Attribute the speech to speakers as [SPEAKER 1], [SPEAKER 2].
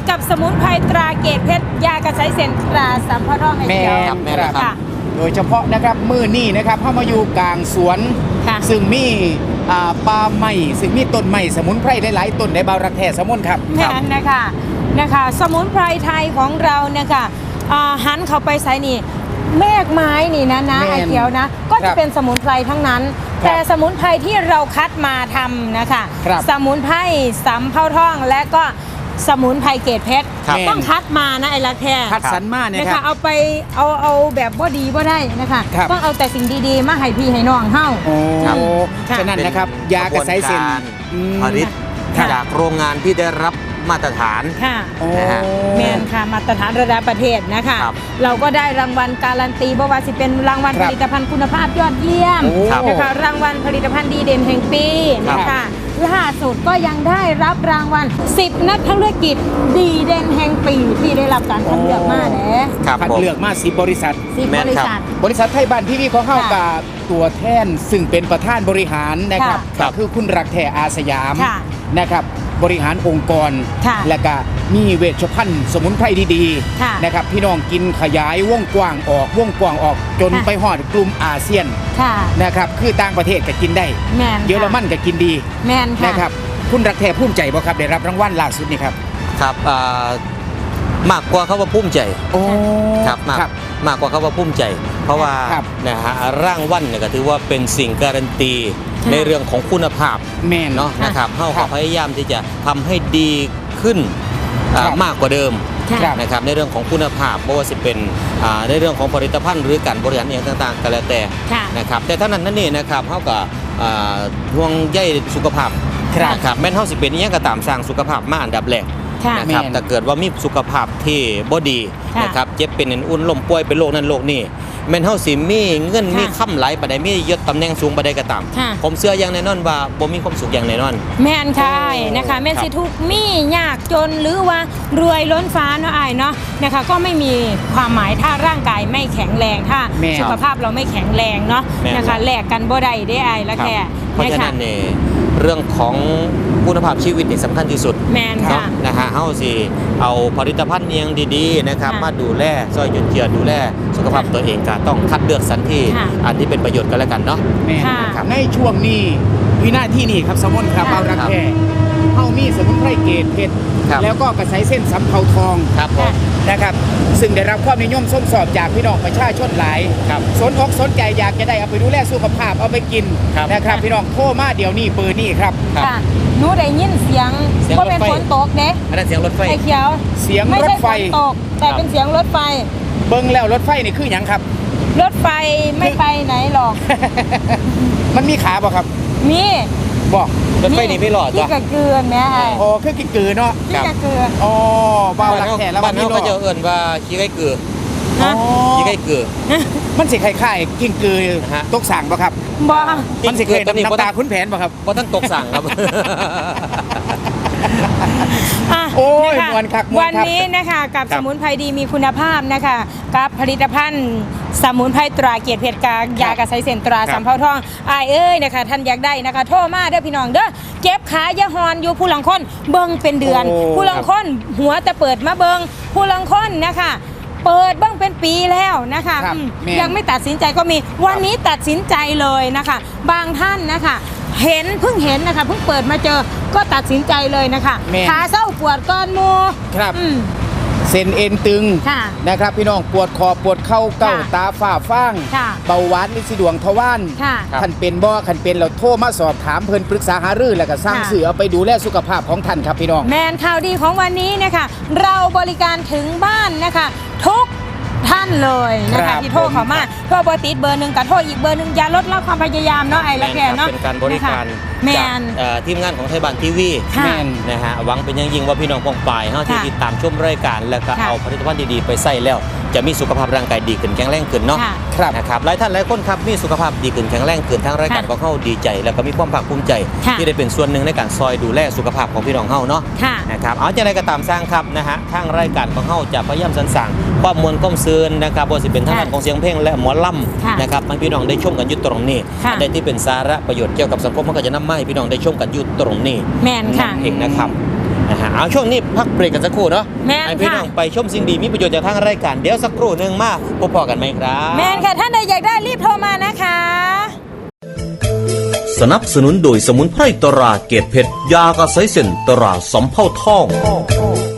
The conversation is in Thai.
[SPEAKER 1] กับสมุนไพรตราเกตเพชรยากระใสเส้นตราสัมภทองไอเขียว
[SPEAKER 2] แม่ครับ
[SPEAKER 1] ค่ะ
[SPEAKER 2] โดยเฉพาะนะครับมื้อนี้นะครับเข้ามาอยู่กลางสวน
[SPEAKER 1] ค่ะ
[SPEAKER 2] ซึ่งมีป่าไม้ซึ่งมีต้นไม้สมุนไพรหลายๆต้นในบาวรักแท้สมุนครับ
[SPEAKER 1] แม่นนะคะสมุนไพรไทยของเรานะคะหันเข้าไปใส่นี่แมกไม้นี่นะ
[SPEAKER 2] แม่น
[SPEAKER 1] ไอเขียวนะก็
[SPEAKER 2] ครั
[SPEAKER 1] จะ
[SPEAKER 2] บ
[SPEAKER 1] เป็นสมุนไพรทั้งนั้น
[SPEAKER 2] ครับ
[SPEAKER 1] แต่สมุนไพรที่เราคัดมาทำนะคะ
[SPEAKER 2] ครับ
[SPEAKER 1] สมุนไพรสำเภาทองและก็สมุนไพรเกตเพชร
[SPEAKER 2] ครับ
[SPEAKER 1] ต้องคัดมานะไอรักแท้
[SPEAKER 2] คัดสรรมาเนี่ย
[SPEAKER 1] นะ
[SPEAKER 2] ครั
[SPEAKER 1] คะ
[SPEAKER 2] บ
[SPEAKER 1] เอาไปเอาแบบบ่ดีบ่ได้นะคะ
[SPEAKER 2] ครับ
[SPEAKER 1] ต้องเอาแต่สิ่งดีๆมาให้พี่ให้น้องเฮา
[SPEAKER 2] โอ้
[SPEAKER 1] ครับ
[SPEAKER 2] ฉะนั้นนะครับยากระใสเส้นอืม
[SPEAKER 3] ผลิต
[SPEAKER 1] ค่ะ
[SPEAKER 3] จากโรงงานที่ได้รับมาตรฐาน
[SPEAKER 1] ค่ะ
[SPEAKER 2] โอ้
[SPEAKER 3] นะฮะ
[SPEAKER 1] แมนค่ะมาตรฐานระดับประเทศนะคะ
[SPEAKER 3] ครับ
[SPEAKER 1] เราก็ได้รางวัลการันตีบ่ว่าสิเป็นรางวัล
[SPEAKER 2] ค
[SPEAKER 1] ผ
[SPEAKER 2] รับ
[SPEAKER 1] ลิตภัณฑ์คุณภาพยอดเยี่ยม
[SPEAKER 2] โอ้ครับ
[SPEAKER 1] นะคะรางวัลผลิตภัณฑ์ดีเด่นแห่งปี
[SPEAKER 3] ครับ
[SPEAKER 1] นะคะล่าสุดก็ยังได้รับรางวัล10นักธุรกิจดีเด่นแห่งปีที่ได้รับการคัดเลือกมาแหละ
[SPEAKER 3] ครับ
[SPEAKER 2] คัด
[SPEAKER 3] ผม
[SPEAKER 2] เลือกมา10บริษัท
[SPEAKER 1] 10
[SPEAKER 3] แม่
[SPEAKER 1] บ
[SPEAKER 3] น
[SPEAKER 1] ริ
[SPEAKER 3] ครับ
[SPEAKER 1] ษัท
[SPEAKER 2] บริษัทไทยบ้านทีวีของเข้า
[SPEAKER 1] ค่ะ
[SPEAKER 2] กับตัวแทนซึ่งเป็นประธานบริหารนะครับ
[SPEAKER 1] ค่ะ
[SPEAKER 2] ก็คือคุณรักแท้อาสยาม
[SPEAKER 1] ค่ะ
[SPEAKER 2] นะครับบริหารองค์กร
[SPEAKER 1] ค่ะ
[SPEAKER 2] และก็มีเวชภัณฑ์สมุนไพรดี
[SPEAKER 1] ค่ะ
[SPEAKER 2] ๆนะครับพี่น้องกินขยายวงกว้างออกจน
[SPEAKER 1] ค่ะ
[SPEAKER 2] ไปฮอดกลุ่มอาเซียน
[SPEAKER 1] ค่ะ
[SPEAKER 2] นะครับคือต่างประเทศก็กินได้
[SPEAKER 1] แมนค่ะ
[SPEAKER 2] เยอรมันก็กินดี
[SPEAKER 1] แมนค่ะ
[SPEAKER 2] นะครับคุณรักแท้ภูมิใจบ่ครับได้รับรางวัลล่าสุดนี่ครับ
[SPEAKER 3] ครับมากกว่าเขาว่าภูมิใจ
[SPEAKER 2] โอ้
[SPEAKER 3] ครับมาก
[SPEAKER 2] ครับ
[SPEAKER 3] มากกว่าเขาว่าภูมิใจ เพราะว่า
[SPEAKER 2] ครับ
[SPEAKER 3] นะฮะร่างวันเนี่ยก็ถือว่าเป็นสิ่งการันตี
[SPEAKER 1] ค่ะ
[SPEAKER 3] ในเรื่องของคุณภาพ
[SPEAKER 2] แม่น
[SPEAKER 3] เนาะนะครับเฮา
[SPEAKER 2] ครั
[SPEAKER 3] ก็
[SPEAKER 2] บ
[SPEAKER 3] พยายามที่จะทำให้ดีขึ้น
[SPEAKER 2] ครับ
[SPEAKER 3] มากกว่าเดิม
[SPEAKER 1] ค่ะ
[SPEAKER 3] นะครับในเรื่องของคุณภาพไม่ว่าจะเป็นในเรื่องของผลิตภัณฑ์หรือการบริหารอย่างต่างๆก็แล้วแต่
[SPEAKER 1] ค่ะ
[SPEAKER 3] นะครับแต่เท่านั้นนั่นนี่นะครับเขาก็ห่วงใยสุขภาพ
[SPEAKER 2] ครับ
[SPEAKER 3] นะครับแม้นเฮาสิเป็นอิหยังก็ตามสร้างสุขภาพมาอันดับแรก
[SPEAKER 1] ค่ะ
[SPEAKER 3] นะครับ
[SPEAKER 2] แม่น
[SPEAKER 3] แต่เกิดว่ามีสุขภาพที่บ่ดี
[SPEAKER 1] ค่ะ
[SPEAKER 3] นะครับเจ็บเป็นอุ่นลมป่วยเป็นโรคนั้นโรคนี้แม่นเฮาสิมีเงิน
[SPEAKER 1] ค่ะ
[SPEAKER 3] มีค่ำไหลปานใดมียศตำแหน่งสูงปานใดก็ตาม
[SPEAKER 1] ค่ะ
[SPEAKER 3] ผมเชื่ออย่างแน่นอนว่าบ่มีความสุขอย่างแน่นอน
[SPEAKER 1] แม่นค่ะนะคะ
[SPEAKER 3] โอ้
[SPEAKER 1] แม่น
[SPEAKER 3] ครับ
[SPEAKER 1] สิทุกข์มียากจนหรือว่ารวยล้นฟ้าเนาะอายเนาะนะคะก็ไม่มีความหมายถ้าร่างกายไม่แข็งแรงถ้า
[SPEAKER 2] แม่น
[SPEAKER 1] สุขภาพเราไม่แข็งแรงเนาะ
[SPEAKER 3] แม่น
[SPEAKER 1] นะคะแลกกันบ่ได้ได้อายละ
[SPEAKER 3] ครับ
[SPEAKER 1] แค่
[SPEAKER 3] เพราะฉะ
[SPEAKER 1] นะคะ
[SPEAKER 3] นั้นเนี่ยเรื่องของคุณภาพชีวิตนี่สำคัญที่สุด
[SPEAKER 1] แม่น
[SPEAKER 3] เนาะ
[SPEAKER 1] ค่ะ
[SPEAKER 3] นะฮะเฮาสิเอาผลิตภัณฑ์เนียงดีๆนะครับ
[SPEAKER 1] ค่ะ
[SPEAKER 3] มาดูแลซอยหยุดเจือดูแลสุขภาพ
[SPEAKER 1] ค่ะ
[SPEAKER 3] ตัวเองก็ต้องคัดเลือกสรรที่
[SPEAKER 1] ค่ะ
[SPEAKER 3] อันที่เป็นประโยชน์กันแล้วกันเนาะ
[SPEAKER 2] แม่น
[SPEAKER 1] ค่ะ
[SPEAKER 2] นะครับในช่วงนี้วินาทีนี้ครับสมุนครับ
[SPEAKER 1] ค่ะ
[SPEAKER 2] เอารักแท้เฮามีสมุนไพรเกตเพชร
[SPEAKER 3] ครับ
[SPEAKER 2] แล้วก็กระใสเส้นสำเภาทอง
[SPEAKER 3] ครับผม
[SPEAKER 2] นะครับซึ่งได้รับความนิยมส้มสอบจากพี่น้องประชาชนหลาย
[SPEAKER 3] ครับ
[SPEAKER 2] สนอกสนใจอยากจะได้เอาไปดูแลสุขภาพเอาไปกิน
[SPEAKER 3] ครับ
[SPEAKER 2] นะครับพี่น้องโทรมาเดี๋ยวนี้เบอร์นี้ครับ
[SPEAKER 3] ครับ
[SPEAKER 1] ค่ะหนูได้ยินเสียง
[SPEAKER 3] เสียง
[SPEAKER 1] ก็เป็น
[SPEAKER 3] รถไฟ
[SPEAKER 1] ฝนตกเด้
[SPEAKER 3] อันนั้นเสียงรถไฟ
[SPEAKER 1] ไอ้เขียว
[SPEAKER 2] เสียง
[SPEAKER 1] ไม่
[SPEAKER 2] รถ
[SPEAKER 1] ใช่
[SPEAKER 2] ไฟ
[SPEAKER 1] ฝนตก แต่
[SPEAKER 3] ครับ
[SPEAKER 1] เป็นเสียงรถไฟ
[SPEAKER 2] เบิ้งแล้วรถไฟนี่คืออย่างครับ
[SPEAKER 1] รถไฟไม่ไปไหนหรอก
[SPEAKER 2] มันมีขาบ่ครับ
[SPEAKER 1] มี
[SPEAKER 2] บอก
[SPEAKER 3] รถไฟนี่ไม่หลอด
[SPEAKER 1] ที่
[SPEAKER 3] จ้ะ
[SPEAKER 1] กระเกือนแม่ไอ้
[SPEAKER 2] อ๋อคือกินกือเนาะ
[SPEAKER 1] ที่กระเกือน
[SPEAKER 2] อ๋อบ้าวรักแท้แล้ว
[SPEAKER 3] บ้า
[SPEAKER 2] วัน น
[SPEAKER 3] เฮา
[SPEAKER 2] นี้
[SPEAKER 3] ก็
[SPEAKER 2] เนาะ
[SPEAKER 3] จะเอิ้นว่าขี้ไก่เกือ
[SPEAKER 2] อ๋อ
[SPEAKER 3] ขี้ไก่เกือ
[SPEAKER 2] มันสิคล้ายๆกินกือ
[SPEAKER 3] ฮะ
[SPEAKER 2] ตกสั่งบ่ครับ
[SPEAKER 1] บ่
[SPEAKER 2] มันสิเคย
[SPEAKER 3] กินกือตัวนี้
[SPEAKER 2] น้ำตาคุ้นแผนบ่ครับ
[SPEAKER 3] บ่ทันตกสั่งครับ
[SPEAKER 1] อ่ะ
[SPEAKER 2] โอ้ย
[SPEAKER 1] นะคะ
[SPEAKER 2] ม่วนครับม่วน
[SPEAKER 1] วัน
[SPEAKER 2] ครับ
[SPEAKER 1] นี้นะคะกับ
[SPEAKER 3] ครั
[SPEAKER 1] ส
[SPEAKER 3] บ
[SPEAKER 1] มุนไพรดีมีคุณภาพนะคะกับผลิตภัณฑ์สมุนไพรตราเกียรติเพชรกายากระใสเส้นตรา
[SPEAKER 2] ครับ
[SPEAKER 1] สำเภาทองอายเอ้ยนะคะท่านอยากได้นะคะ โทรมาเด้อพี่น้องเด้อเจ็บขายาฮอนอยู่ผู้ลังคนเบิ่งเป็นเดือน
[SPEAKER 2] โอ้
[SPEAKER 1] ผู้ลังคนหัวแต่เปิดมาเบิ่งผู้ลังคนนะคะเปิดเบ้างเป็นปีแล้วนะคะ
[SPEAKER 2] ครับ แม่
[SPEAKER 1] ยังไม่ตัดสินใจก็มีวันนี้ตัดสินใจเลยนะคะ บางท่านนะคะเพิ่งเห็นนะคะเพิ่งเปิดมาเจอก็ตัดสินใจเลยนะคะ
[SPEAKER 2] แม่
[SPEAKER 1] ขาเศร้าปวดก้อนหมู
[SPEAKER 2] ครับ
[SPEAKER 1] อืม
[SPEAKER 2] เส้นเอ็นตึง
[SPEAKER 1] ค่ะ
[SPEAKER 2] นะครับพี่น้องปวดคอปวดเข่าเก้า
[SPEAKER 1] ค่ะ
[SPEAKER 2] ตาฝ้าฟาง
[SPEAKER 1] ค่ะ
[SPEAKER 2] เบาหวานลินสีดวงทวาร
[SPEAKER 1] ค่ะ
[SPEAKER 2] ท่านเป็นบ่คันเป็นเราโทรมาสอบถามเพิ่นปรึกษาหารือแล้วก็สร้าง
[SPEAKER 1] ค่ะ
[SPEAKER 2] สื่อเอาไปดูแลสุขภาพของท่านครับพี่น้อง
[SPEAKER 1] แมนข่าวดีของวันนี้นะคะเราบริการถึงบ้านนะคะทุกท่านเลยนะ
[SPEAKER 2] ครั
[SPEAKER 1] คะ
[SPEAKER 2] บ
[SPEAKER 1] ที่โทรเข้ามาโทรเบอร์ติดเบอร์หนึ่งกับโทรอีกเบอร์หนึ่งอย่าลดละความพยายามเนาะไอ้ละแกเนาะ
[SPEAKER 3] เป็นการบริการ
[SPEAKER 1] แม
[SPEAKER 3] จาก
[SPEAKER 1] น
[SPEAKER 3] ทีมงานของไทยบ้านทีวี
[SPEAKER 1] ค่ะ
[SPEAKER 2] แม่น
[SPEAKER 3] นะฮะหวังเป็นอย่างยิ่งว่าพี่น้องปองปายเฮาที่
[SPEAKER 1] ค่ะ
[SPEAKER 3] ติดตามชมรายการแล้วก็
[SPEAKER 1] ค่ะ
[SPEAKER 3] เอาผลิตภัณฑ์ดีๆไปใส่แล้ว จะมีสุขภาพร่างกายดีขึ้นแข็งแรงขึ้นเนาะ
[SPEAKER 1] ค่ะ
[SPEAKER 2] ครับ
[SPEAKER 3] นะครับหลายท่านหลายคนครับมีสุขภาพดีขึ้นแข็งแรงขึ้นทางรายการ
[SPEAKER 1] ค่ะ
[SPEAKER 3] ของเฮาดีใจ แล้วก็มีความภาคภูมิใจ
[SPEAKER 1] ค่ะ
[SPEAKER 3] ที่ได้เป็นส่วนหนึ่งในการซอยดูแลสุขภาพของพี่น้องเฮาเนาะ
[SPEAKER 1] ค่ะ
[SPEAKER 3] นะครับเอาจะไรก็ตามสร้างครับนะฮะทางรายการของเฮาจะพยายามสรรสร้างความมวลความซื่นนะครับบ่ว่าสิเป็นทางด้านของเสียงเพลงและหมอล
[SPEAKER 1] ค่ะ
[SPEAKER 3] ำนะครับให้พี่น้องได้ชมกันอยู่ตรงนี้
[SPEAKER 1] ค่ะ
[SPEAKER 3] ได้ที่เป็นสาระประโยชน์เกี่ยวกับสังคมมันก็จะนำมาให้พี่น้องได้ชมกันอยู่ตรงนี้
[SPEAKER 1] แมนค่ะ
[SPEAKER 3] เองนะครับนะฮะเอาช่วงนี้พักเบรกกันสักครู่เนาะ
[SPEAKER 1] แม่น
[SPEAKER 3] ให้พี่น้อง
[SPEAKER 1] ค่ะ
[SPEAKER 3] ไปชมสิ่งดีมีประโยชน์จากทางรายการเดี๋ยวสักครู่หนึ่งมาพบพอกันไหมครับ
[SPEAKER 1] แมนค่ะท่านใดอยากได้รีบโทรมานะคะ
[SPEAKER 4] สนับสนุนโดยสมุนไพรตราเกตเพชรยากระไสเส้นตราสำเภาทอง